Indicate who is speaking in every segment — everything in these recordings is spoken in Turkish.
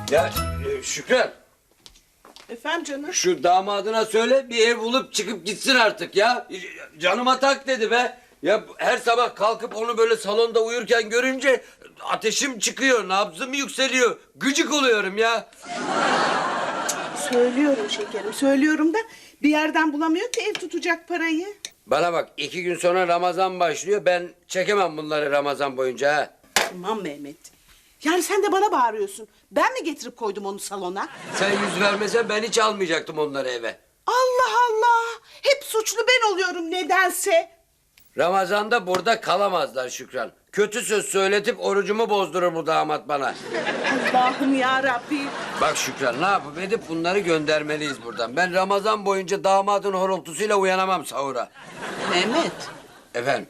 Speaker 1: Ya Şükran,
Speaker 2: Efendim canım?
Speaker 1: şu damadına söyle bir ev bulup çıkıp gitsin artık ya. Canıma tak dedi be. Ya her sabah kalkıp onu böyle salonda uyurken görünce ateşim çıkıyor, nabzım yükseliyor. Gıcık oluyorum ya.
Speaker 2: Söylüyorum şekerim, söylüyorum da bir yerden bulamıyor ki ev tutacak parayı.
Speaker 1: Bana bak, 2 gün sonra Ramazan başlıyor. Ben çekemem bunları Ramazan boyunca ha.
Speaker 2: Aman Mehmet. Yani sen de bana bağırıyorsun. Ben mi getirip koydum onu salona?
Speaker 1: Sen yüz vermesen ben hiç almayacaktım onları eve.
Speaker 2: Allah Allah! Hep suçlu ben oluyorum nedense.
Speaker 1: Ramazan'da burada kalamazlar Şükran. Kötü söz söyletip orucumu bozdurur bu damat bana.
Speaker 2: Allah'ım ya Rabbim.
Speaker 1: Bak Şükran, ne yapıp edip bunları göndermeliyiz buradan. Ben Ramazan boyunca damadın horultusuyla uyanamam sahura.
Speaker 2: Mehmet,
Speaker 1: Efendim?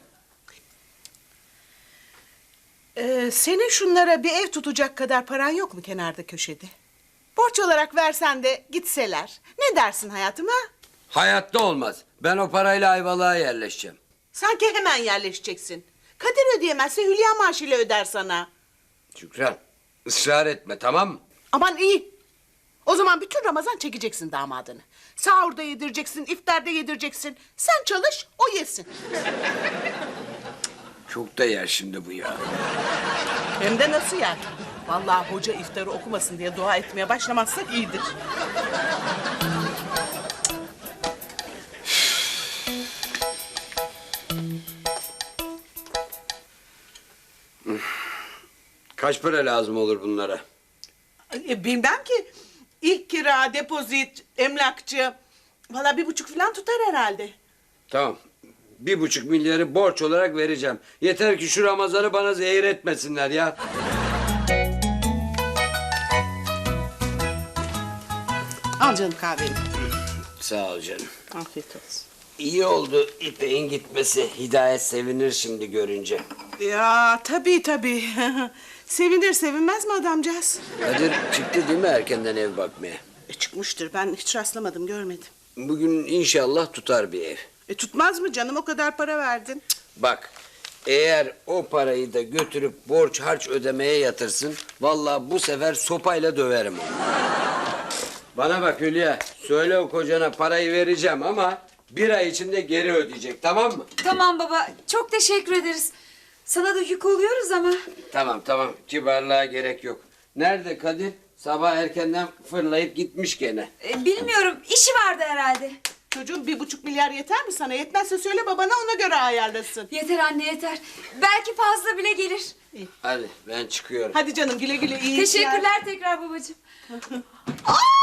Speaker 2: senin şunlara bir ev tutacak kadar paran yok mu kenarda köşede? Borç olarak versen de gitseler. Ne dersin hayatım ha?
Speaker 1: Hayatta olmaz. Ben o parayla Ayvalık'a yerleşeceğim.
Speaker 2: Sanki hemen yerleşeceksin. Kadir ödeyemezse Hülya maaşıyla öder sana.
Speaker 1: Şükran, ısrar etme, tamam mı?
Speaker 2: Aman iyi. O zaman bütün Ramazan çekeceksin damadını. Sahurda yedireceksin, iftarda yedireceksin. Sen çalış, o yesin.
Speaker 1: Çok da yer şimdi bu ya.
Speaker 2: Hem de nasıl yer? Vallahi hoca iftarı okumasın diye dua etmeye başlamazsak iyidir.
Speaker 1: Kaç para lazım olur bunlara?
Speaker 2: Bilmem ki. İlk kira, depozit, emlakçı. Vallahi 1,5 falan tutar herhalde.
Speaker 1: Tamam. 1,5 milyarı borç olarak vereceğim. Yeter ki şu Ramazan'ı bana zehir etmesinler ya.
Speaker 2: Al canım kahveni.
Speaker 1: Sağ ol canım.
Speaker 2: Afiyet olsun.
Speaker 1: İyi oldu İpek'in gitmesi. Hidayet sevinir şimdi görünce.
Speaker 2: Ya tabii. Sevinir sevinmez mi adamcağız?
Speaker 1: Kadir çıktı değil mi erkenden ev bakmaya?
Speaker 2: Çıkmıştır, ben hiç rastlamadım, görmedim.
Speaker 1: Bugün inşallah tutar bir ev.
Speaker 2: Tutmaz mı canım, o kadar para verdin.
Speaker 1: Bak, eğer o parayı da götürüp borç harç ödemeye yatırsın... ...vallahi bu sefer sopayla döverim onu. Bana bak Hülya, söyle o kocana parayı vereceğim ama... ...1 ay içinde geri ödeyecek, tamam mı?
Speaker 3: Tamam baba, çok teşekkür ederiz. Sana da yük oluyoruz ama.
Speaker 1: Tamam, kibarlığa gerek yok. Nerede Kadir? Sabah erkenden fırlayıp gitmiş gene.
Speaker 3: Bilmiyorum, işi vardı herhalde.
Speaker 2: Çocuğum 1,5 milyar yeter mi sana? Yetmezse söyle babana, ona göre ayarlasın.
Speaker 3: Yeter anne yeter. Belki fazla bile gelir.
Speaker 1: Hadi ben çıkıyorum.
Speaker 2: Hadi canım, güle güle, iyi işler.
Speaker 3: Teşekkürler tekrar babacığım. Aa!